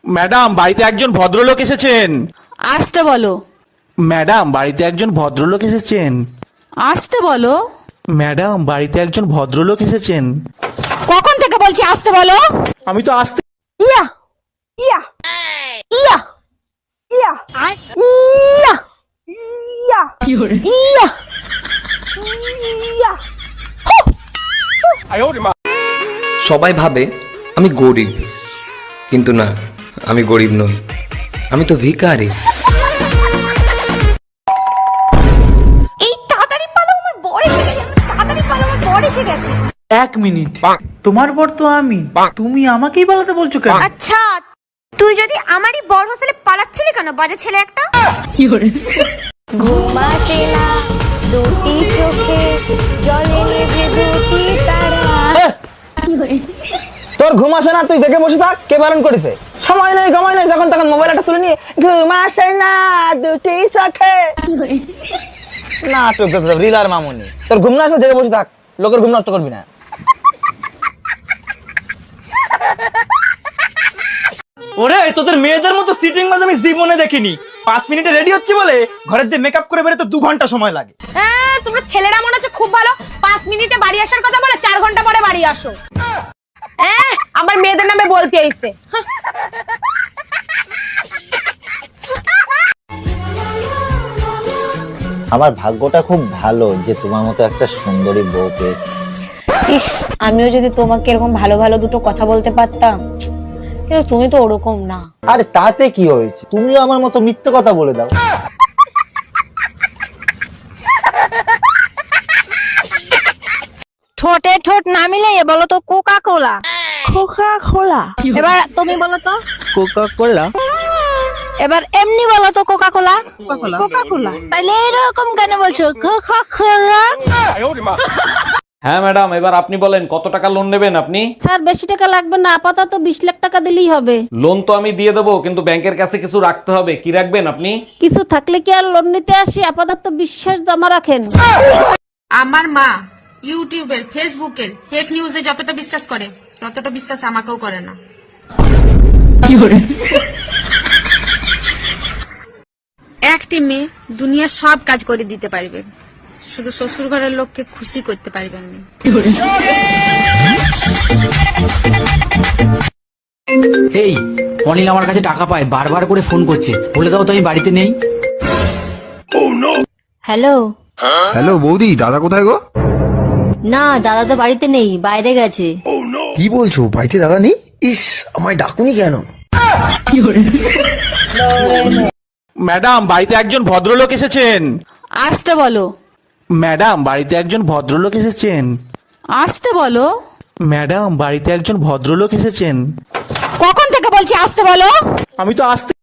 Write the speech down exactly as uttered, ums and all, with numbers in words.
Madam, বাড়িতে একজন ভদ্রলোক এসেছেন। আসতে বলো। ম্যাডাম, বাড়িতে একজন ভদ্রলোক এসেছেন। আসতে বলো। ম্যাডাম, বাড়িতে একজন ভদ্রলোক এসেছেন। কখন থেকে বলছি আসতে বলো। আমি তো আসতে ইয়া ইয়া ইয়া ইয়া ইয়া ইয়া ইয়া ইয়া। সবাই ভাবে আমি গরিব, কিন্তু না, আমি গরিব নই, আমি তো ভিখারি। এই তাড়াতাড়ি পালাও, আমার বর এসে গেছে। তাড়াতাড়ি পালাও, আমার বর এসে গেছে। এক মিনিট, তোমার বর তো আমি, তুমি আমাকেই পালাতে বলছো কেন? আচ্ছা, তুই যদি আমারই বর হোস্টেলে পালাচ্ছিলি কেন, বাজে ছেলে একটা? ঘুমাতে না দুটি চোখে, জলে নেভে দুটি তারা। তোর ঘুম আসে না, তুই দেখে বসে থাক। কে বারণ করেছে? সময় নেই, সময় নেই, যখন তখন মোবাইল একটা তুলে নিয়ে ঘুম আসে না দুটি চোখে না রিলার মামুনি। তোর ঘুম না আসলে জেগে বসে থাক, লোকের ঘুম নষ্ট করবি না। ওরে, তোদের মেয়েদের মতো সিটিং বাজ আমি জীবনে দেখিনি। পাঁচ মিনিটে রেডি হচ্ছে বলে ঘরের দিয়ে মেকআপ করে বেরোতে দু ঘন্টা সময় লাগে। হ্যাঁ, তোমরা ছেলেরা মনে হচ্ছে খুব ভালো, পাঁচ মিনিটে বাড়ি আসার কথা বলে চার ঘন্টা পরে বাড়ি আসো। হ্যাঁ, আমার মেয়েদের নামে বলতে আইছে। আমার ভাগ্যটা খুব ভালো যে তোমার মতো একটা সুন্দরী বউ পেয়েছি। ইস, আমিও যদি তোমাকে এরকম ভালো ভালো দুটো কথা বলতে পারতাম, কিন্তু তুমি তো ওরকম না। আরে তাতে কি হয়েছে, তুমিও আমার মতো মিথ্যে কথা বলে দাও। ঠোঁটে ঠোঁট না মিলে বলো তো কোকা কোলা। কোকা কোলা। এবার তুমি বলো তো কোকা কোলা। এবার এমনি বলো তো কোকা কোলা। কোকা কোলা। তাহলে এরকম কেন বলছো কোকা কোলা? হ্যাঁ ম্যাডাম, এবার আপনি বলেন কত টাকা লোন নেবেন আপনি? স্যার, বেশি টাকা লাগবে না, আপাতত বিশ লাখ টাকা দিলেই হবে। লোন তো আমি দিয়ে দেবো, কিন্তু ব্যাংকের কাছে কিছু রাখতে হবে। কি রাখবেন আপনি? কিছু থাকলে কি আর লোন নিতে আসি? আপাতত বিশ্বাস জমা রাখেন। আমার মা ইউটিউবের, ফেসবুকের ফেক নিউজে যতটা বিশ্বাস করে, ততটা বিশ্বাস আমাকেও করে না। একটি মেয়ে দুনিয়ার সব কাজ করে দিতে পারবে, শুধু শ্বশুর ঘরের লোককে খুশি করতে পারবেন না। এই অনিল আমার কাছে টাকা পায়, বারবার করে ফোন করছে, বলে দাও তো আমি বাড়িতে নেই। হ্যালো। হ্যালো বৌদি, দাদা কোথায় গো? না, দাদা তো বাড়িতে নেই, বাইরে গেছে। কি বলছো, বাড়িতে দাদা নেই? ইস, আমায় ডাকুনি কেন? ম্যাডাম, বাড়িতে একজন ভদ্রলোক এসেছেন। আসতে বলো। ম্যাডাম, বাড়িতে একজন ভদ্রলোক এসেছেন। আসতে বলো। ম্যাডাম, বাড়িতে একজন ভদ্রলোক এসেছেন। কখন থেকে বলছি আসতে বলো। আমি তো আসতে